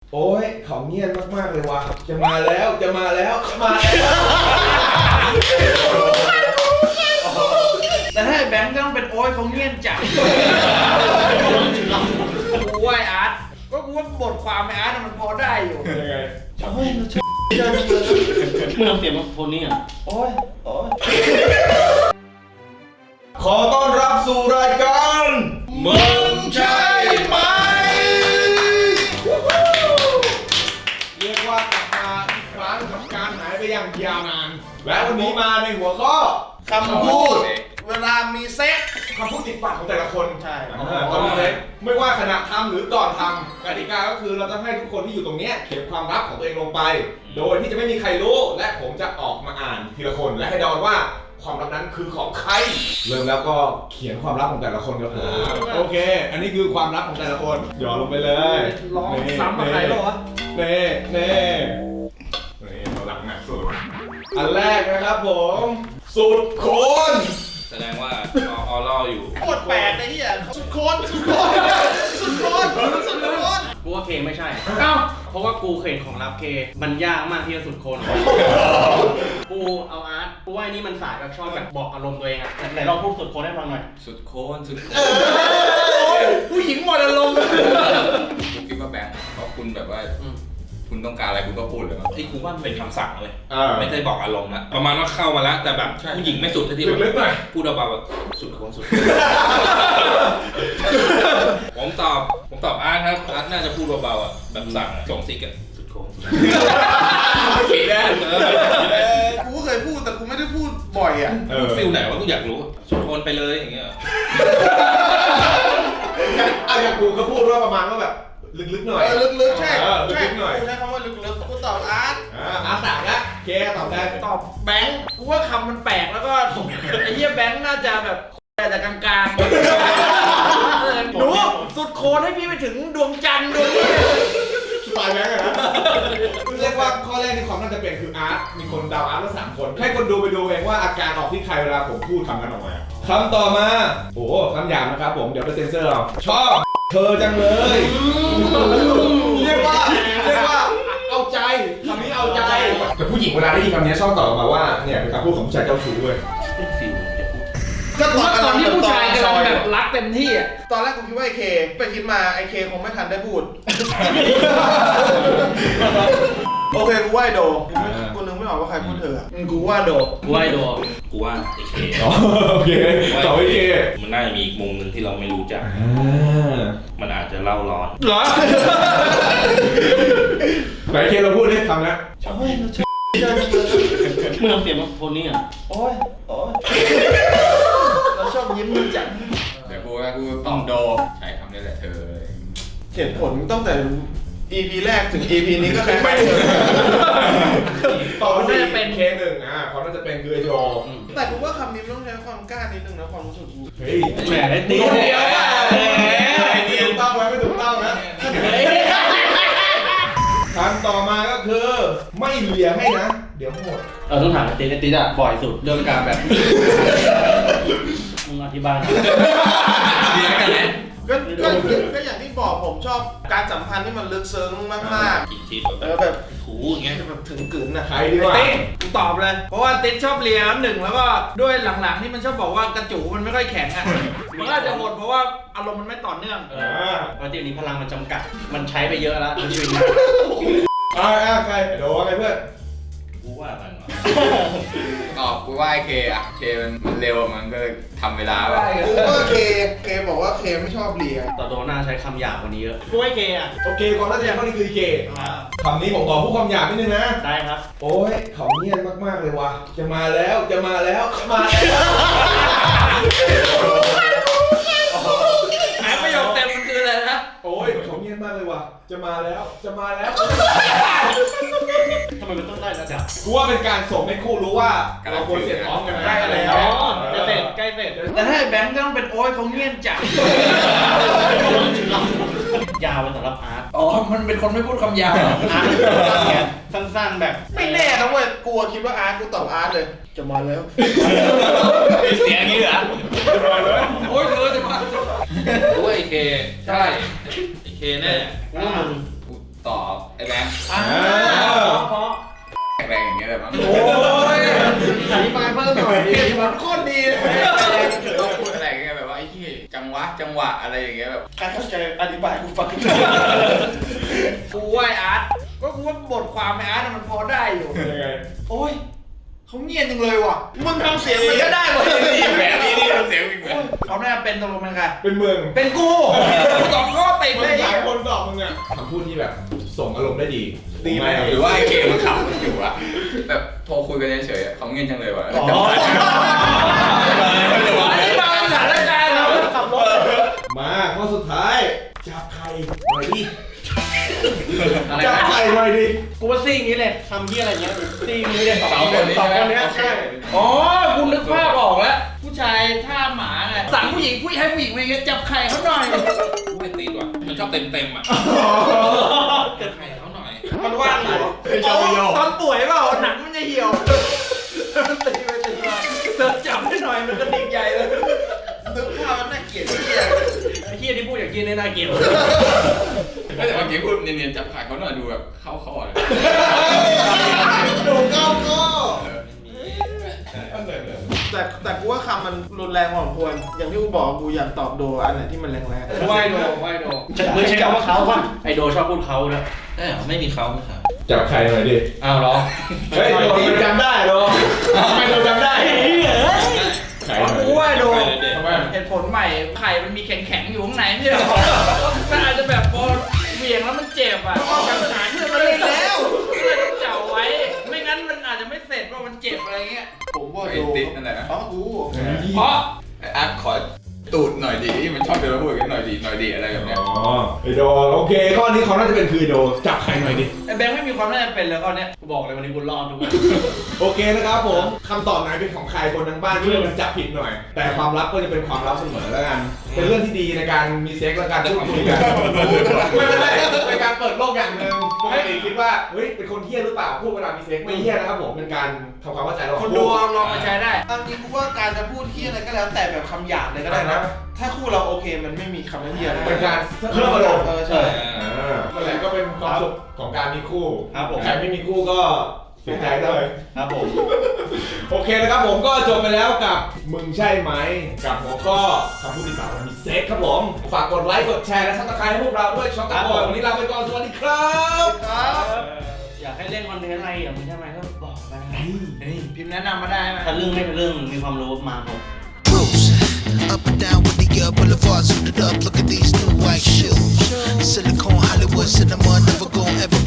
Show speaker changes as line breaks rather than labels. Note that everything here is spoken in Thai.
โอ้ยเขาเงียบมากๆเลยว่ะจะมาแล้วจะมาแล้วจะมาแล้ว
แต่ถ้าแบงค์ก็ต้องเป็นโอ๊ยเขาเงียบจังกูว่าอาร์ตก็กูว่าบทความไอ้อาร์ตมันพอได้อยู่
ยังไง
เฮ้ยเราชอบเจอจังเลย
มึงเอาเสียงมาโทนี่อ่ะ
โอ๊ยโอ๊ย
ขอต้อนรับสู่รายการมึงใช่ไหมเรียกว่ากลับมาอีกครั้งกับการหายไปอย่างยาวนานและวันนี้มาในหัวข้อ
คำพูดเวลามีเซ็ก
คำพูดติดปากของแต่ละคน
ใช่
ตอนนี้เซ็กไม่ว่าขณะทำหรือก่อนทำกติกาก็คือเราจะให้ทุกคนที่อยู่ตรงนี้เขียนความลับของตัวเองลงไป โดยที่จะไม่มีใครรู้และผมจะออกมาอ่านทีละคนและให้เดาว่าความลับนั้นคือของใครเริ่มแล้วก็เขียนความลับของแต่ละคนกันโอเค อันนี้คือความลับของแต่ละคนหย่อนลงไปเลย
ร้องซ้ำกับใครหรอวะ
เน่เน่เราหลังหนักสุดอันแรกนะครับผมสุดโคน
แสดงว่าออล่ออยู่
โคตรแปลกเลยที่อ่ะสุดโคนสุดโคนสุดโคนสุดโคน
กูว่าเคไม่ใช่
เอ้า
เพราะว่ากูเห็นของรับเค มันยากมากที่จะสุดคน กูเอาอาร์ตกูว่าไอ้นี่มันสายแบบชอบแบบบอกอารมณ์ตัวเองอะไหนลองพูดสุดคนให้ฟังหน่อย
สุดโคนสุดโคน
ผู้หญิงหมดอารมณ์
ผมคิดว่าแบงค์เพราะคุณแบบว่าคุณต้องการอะไรคุณก็พูดเลยไอ้กูว่ามันเป็นคำสั่งเลยไม่ได้บอกอารมณ์นะประมาณว่าเข้ามาแล้วแต่แบบผู้หญิงไม่สุดที่แบบ
ลึกๆหน่อย
พูดเบาๆแบบสุดโคนสุด ผมตอบอาร์ตครับอาร์ตน่าจะพูดเบาๆอ่ะแบบสั่งส่งซิกอะสุดโคนสุด
ผิดแน่
กูก็เคยพูดแต่กูไม่ได้พูดบ่อยอ่ะ
ฟิลไหนวะกูอยากรู้สุดโคนไปเลยอย่างเงี้ย
อย่างกูก็พูดว่าประมาณว่าแบบลึกๆหน่อย
ลึกๆใช่
ลึ
ใช่
กๆหน่อย
กูใช้คำว่าลึกๆกูตอบอาร์ต
อาสามแล้วเคตอบได้
ตอบแบงค์กูว่าคำมันแปลกแล้วก็ไอ้เหี้ยแบงค์น่าจะแบบแต่กลางๆหนูสุดโคนให้พี่ไปถึงดวงจันทร์ดวงนี้
สไตล์แบงค์อะนะเรียกว่าข้อแรกที่ความน่าจะเป็นคืออาร์ตมีคนเดาอาร์ตมา3 คนให้คนดูไปดูเองว่าอาการออกที่ใครเวลาผมพูดคำนั้นออกมาคำต่อมาโอ้คำหยาบนะครับผมเดี๋ยวไปเซ็นเซอร์เอาชอบเธอจังเลยเรียกว่าเอาใจคำนี้เอาใจแต่ผู้หญิงเวลาได้ยินคำนี้ชอบตอบออกมาว่าเนี่ยเป็นคำพูดของผู้ชายเจ้าชู้เว้ย
ฟิลจะพูด
ก็ตอนที่ผู้ชายกำลังแบบรักเต็มที่อ่ะตอนแรกกูคิดว่าไอ้เคไปคิดมาไอ้เคคงไม่ทันได้พูดโอเคกูว่าไอ้โดกูนึกไม่ออกว่าใครพูดเธอกูว่าโด
กูว่าไอ้โด
กูว่าไอ้เค
โอเคตอบไอ้เค
มันน่าจะมีอีกมุมหนึ่งที่เราไม่รู้จักมันอาจจะเล่าร้อน
เหรอ
ไหนเคเราพูดได้คำนะ
เฮ้ยเราชอบเจอจังเลย
มึงเอาเสียงมาโทนี่อ่ะ
โอ๊ยโอ๊ยเราชอบยิ้มมันจัง
เดี๋ยวกูตอบโดใช้คำนี้แหละเธอ
เหตุผลตั้งแต่ EP แรกถึง EP นี้ก็คล้ายๆกัน
ตอบว่าน่าจะเป็นเคหนึ่งความน่าจะเป็นคือไอโจ
แต่กูว่าคำนี้มันต้องใช้ความกล้านิดนึงนะความรู้สึกกู
เฮ้ย
แหมได้ตี
เดียวถูกต้องไหมไม่ถูกต้องนะคำต่อมาก็คือไม่เหลียให้นะ เดี๋ยวหมด
ต้องถามไอ้ติ๊ดอะบ่อยสุดเรื่องการแบบ มึงอธิบายหน่อย
เรียนกันไหม
ก็อย่างที่บอกผมชอบการสัมพันธ์ที่มันลึกซึ้งมาก
กินชีส
ๆแบบ
ถูอย่างเงี้ย
แบบถึงกึ๋นน่ะ
ใครดีกว่า
ติ๊กกูตอบเลย เพราะว่าติ๊กชอบเลียน้ำหนึ่งแล้วก็ด้วยหลังๆที่มันชอบบอกว่ากระจูมันไม่ค่อยแข็งอ่ะมันก็อาจจะหมดเพราะว่าอารมณ์มันไม่ต่อเนื่อง
ปกตินี้พลังมันจำกัด มันใช้ไปเยอะแล้วในชีวิตนี้
ใครโดว่าไงเพื่อน
กูว่ามันวะ
ตอบกูว่าไอ้เคอะเคมันเร็วมันก็ทำเวลาแบบ
กูว่าเคบอกว่าเคไม่ชอบเลีย
ต่อโดน่าใช้คำหยาบกว่านี้เยอะกูให้เคอะ
โอเคความน่าจะยังข้อนี้คือเคคำนี้ผมขอพูดความหยาบนิดนึงนะ
ได้ครับ
โอ้ยเขาเงียบมากๆเลยว่ะจะมาแล้วจะมาแล้วจะมาแล้ว
ไอ้ประโยคเต็มมันคืออะไรนะ
โอ้ยเขาเงียบมากเลยว่ะจะมาแล้วจะมาแล้ว
ทำไมมันต้องได้ระดับ
กูว่าเป็นการส่งให้คู่รู้ว่าเราควรเสียพร้อมกันนะ
ได้แล้ว
อ๋อจะเสร็จใกล้เสร็จ
แต่ถ้าแบงค์ก็ต้องเป็นโอ๊ยเขาเงียบจัง
ยาวเป็นสำหรับอาร์ต
อ๋อ มันเป็นคนไม่พูดคำหยาบ
อาร์ตสั้นๆแบบ
ไม่แน่นะเว้ยกูคิดว่าอาร์ตกูตอบอาร์ตเลย จะมาแล้ว
มีเสียงอย่างนี้เหรอ
โอ๊ยเธอจะมา
กูว่าไอ้เคใช่ไอ้เคแน่
กูว่ามึง
กูตอบ
ไอ้แบงค์
เพราะ
แรงอย่างเงี้ยเลยมั้ง
โอ้ย
อธิบายเพิ่มหน่อยดิ
เหตุผลโคตรดีเลย
เราพูดอะไรอย่างเงี้ยแบบว่าไอ้ที่จังหวะอะไรอย่างเงี้ยแบบ
ใครเข้าใจอธิบายกูฟัง
กูว่าไอ้อาร์ตก็กูว่าบทความไอ้อาร์ตมันพอได้อยู่
ยังไง
โอ้ยเขาเงียบจังเลยว่ะมึงทำเสียงมันก็ได้หมดเลย
แบบนี้ทำเสียงอีกแบบ
เขาน่าจะเป็นตกลงเป็นใคร
เป็นเมือง
เป็นกูสองข้อติด
มึ
เล
ง
ย
หลายคนตอบมึงอะคำพูดที่แบบส่งอารมณ์ได้ดี
ดีไหมหรือว่าไอ้เคมันขำอยู่อะแบบโทรคุยกันเฉยๆเขาเงียบจังเลยว่ะ
อ๋อ
อันนี้มาสถานการณ์เรา
ขับรถ
มาข้อสุดท้ายจับไข่หน่อยดิ
อะไร
จับ
นะ
ไข่หน่อยดิ
กูว่าซี่อย่างนี้เลยทำที่อะไรเงี้ยซี่อย่างนี้เลยสอง
สอง
ค
คน
น
นี้
สอง
ใช่
คน
ไหม
เนี้ยใช่
อ๋อกูนึกภาพออกแล้วผู้ชายท่าหมาไงสั่งผู้หญิงให้ผู้หญิงไปจับไข่เขาหน่อย
ไม่ติดว่ะมันชอบเต็มอ่ะใครเขาหน่อย
มันว่างอยู่ตอนป่วยเปล่าหนังมันจะเหี่ยวตีไปตีมาเสิร์ฟจับให้หน่อยมันก็ดิ่งใหญ่เลยนึกภาพมันน่าเกลียดเหี้ย
ไอ้เฮียที่พูดอย่างกินในน่าเกลียด
แต่เมื่อกี้พูดเนียนๆจับขายเขาหน่อยดูแบบเข้าคอเลย
ดูเข้าก็
แต่กูว่าคำมันรุนแรงพอสมควรอย่างที่กูบอกกูอยากตอบโดอันไหนที่มันแรง
ไหวโดมึงใช้คำว่าเขาป่ะไอโดชอบพูดเขาด้วย
ไม่มีเขาไม่ครับ
จับไข่หน่อยดิ
อ้าวเหรอ
เฮ้ยโดนจำได้โดนทำไมโดนจำได้ไข่หน่อย
กูว่าดู
ทำไม
เหตุผลใหม่ไข่มันมีแข็งๆอยู่ข้างในไม่ใช่หรอมันอาจจะแบบพอเหวี่ยงแล้วมันเจ็บอ่ะการหาเพื่อนมาเล่นแล้วก็เลยต้องเจ่าไว้ ไม่งั้นมันอาจจะไม่เสร็จว่ามันเจ็บอะไรเงี้ย
ๆผมว่า
ไอ้
โด
ติดนั่นแหละนะ
อ๋อกู
เพราะ
ไอ้อาร์ตขอตูดหน่อยดิมันชอบเดินมาพูดกันหน่อยดิอะไรแบบเนี้ย
อ๋อไอโดโอเคข้อนี้เขาน่าจะเป็นคือโดจับไข่หน่อยดิ
ไอ้แบงค์ไม่มีความน่าจะเป็นเลยข้อเนี้ย
กูบอกเลยวันนี้กูรอดทุกวัน
โอเคนะครับผมคำตอบไหนเป็นของใครคนทางบ้านช่วยกันจับผิดหน่อย แต่ความลับก็จะเป็นความลับเสมอแล้วกัน เป็นเรื่องที่ดีในการมีเซ็กและการพูดคุยกันไม่เป็นไรเป็นการเปิดโลกอย่างหนึ่งปกติคิดว่าเฮ้ยเป็นคนเฮี้ยหรือเปล่าพูดเวลามีเซ็กไม่เฮี้ยนะครับผมเป็นการทำความเข้าใจระหว่าง
คนดูลองมาใช้ได้
ตามจริงกูว่าการจะพูดที่อะไรก็แล้วแต่แบบคำหยาบเลยก็ได้นะ ถ้าคู่เราโอเคมันไม่มีคำว่าเหี้ยอะไร
เป็นการเพิ่มอารมณ์
ใช่
นั่นแหละก็เป็นความสุขของการมีคู่
ครับผม
ใครไม่มีคู่ก็เสียใจด้วย
ครับผม
โอเคนะครับผมก็จบไปแล้วกับมึงใช่ไหมกับหัวข้อคำพูดที่ต่างมีเซ็กครับผมฝากกดไลค์กดแชร์และซับสไครต์ให้พวกเราด้วยช็อกโกบอยวันนี้ลาไปก่อนสวัสดีครับ
อยากให้เล่นคอนเทนต์อะไรอย่างมึงใช่ไหมก็บอกมานะ
พิมพ์แนะนำมาได้ไหม
ถ้าเรื่องไม่เป็นเรื่องมีความรู้มาผม
Cruise up and down with the boulevards suited up. Look at these new white shoes. Silicone Hollywood cinema, never gon' ever